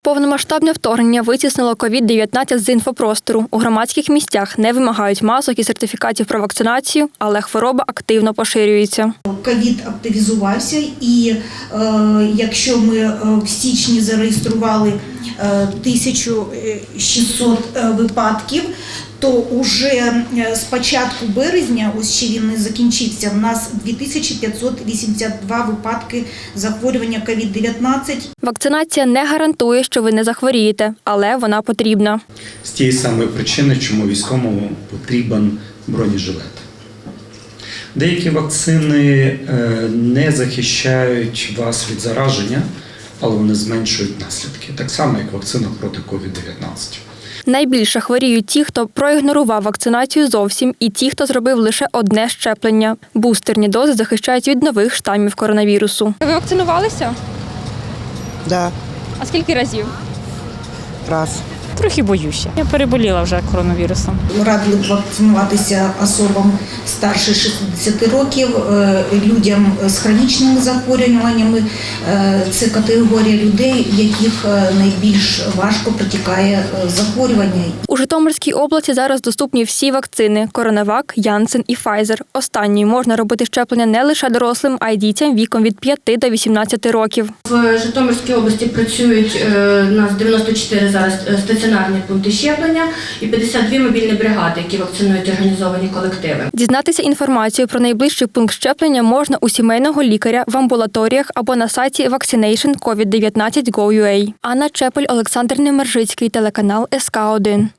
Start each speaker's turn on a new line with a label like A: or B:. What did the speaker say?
A: Повномасштабне вторгнення витіснило COVID-19 з інфопростору. У громадських місцях не вимагають масок і сертифікатів про вакцинацію, але хвороба активно поширюється.
B: ковід активізувався і якщо ми в січні зареєстрували 1600 випадків, то уже з початку березня, ось ще він не закінчився, в нас 2582 випадки захворювання COVID-19.
A: Вакцинація не гарантує, що ви не захворієте, але вона потрібна.
C: З тієї самої причини, чому військовому потрібен бронежилет. Деякі вакцини не захищають вас від зараження, але вони зменшують наслідки. Так само, як вакцина проти COVID-19.
A: Найбільше хворіють ті, хто проігнорував вакцинацію зовсім, і ті, хто зробив лише одне щеплення. Бустерні дози захищають від нових штамів коронавірусу. Ви вакцинувалися?
D: Да,
A: А скільки разів?
D: раз.
E: Трохи боюся. Я переболіла вже коронавірусом.
B: Радили б вакцинуватися особам старше 60 років, людям з хронічними захворюваннями. Це категорія людей, яких найбільш важко протікає захворювання.
A: У Житомирській області зараз доступні всі вакцини – Коронавак, Janssen і Pfizer. Останньою можна робити щеплення не лише дорослим, а й дітям віком від 5 до 18 років.
F: В Житомирській області працюють у нас 94 зараз стаціонарні пункти щеплення і 52 мобільні бригади, які вакцинують організовані колективи.
A: Дізнатися інформацію про найближчий пункт щеплення можна у сімейного лікаря, в амбулаторіях або на сайті Vaccination COVID-19 Go.ua. Анна Чепель, Олександр Немержицький, телеканал СК1.